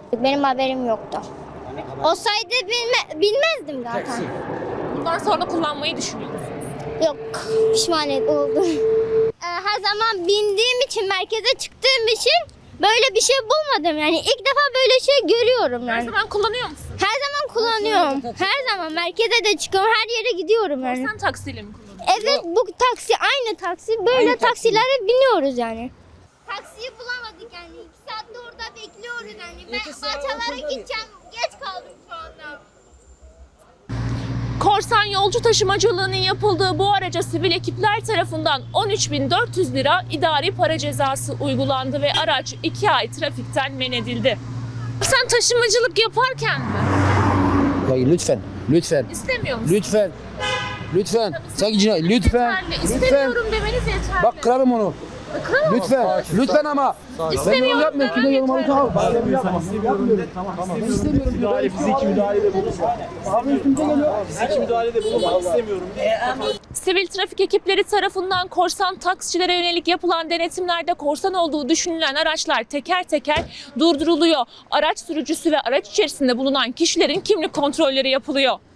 Benim haberim yoktu. Olsaydı bilmezdim zaten. Bundan sonra kullanmayı düşünüyor musunuz? Yok, pişman oldum. Her zaman bindiğim için, merkeze çıktığım için böyle bir şey bulmadım. Yani ilk defa böyle şey görüyorum Her yani. zaman kullanıyor musun? Her zaman kullanıyorum. Her zaman merkeze de çıkıyorum, her yere gidiyorum yani. Sen taksiyle mi kullanıyorsun? Evet, bu taksi aynı taksi. Böyle taksilere biniyoruz yani. Taksiyi bulamadık yani. 2 saattir orada bekliyoruz yani. Ben Bahçelere gideceğim. Geç kaldım şu anda. Korsan yolcu taşımacılığının yapıldığı bu araca sivil ekipler tarafından 13.400 lira idari para cezası uygulandı ve araç 2 ay trafikten men edildi. Sen taşımacılık yaparken mi? Hayır lütfen. Lütfen. İstemiyor musun? Lütfen. Lütfen. Sanki cinayet. Lütfen. Yeterli. Lütfen. İstemiyorum demeniz yeterli. Bak kırarım onu. Lütfen. Lütfen ama. İstemiyorum Yapmıyorum. Kimde demem yorumları yeterli. tamam. Tamam. İstemiyorum. Müdahale, fiziki müdahalede bulunma. Abi üstümüze geliyor. Fiziki müdahalede bulunmak istemiyorum. Sivil trafik ekipleri tarafından korsan taksicilere yönelik yapılan denetimlerde korsan olduğu düşünülen araçlar teker teker durduruluyor. Araç sürücüsü ve araç içerisinde bulunan kişilerin kimlik kontrolleri yapılıyor.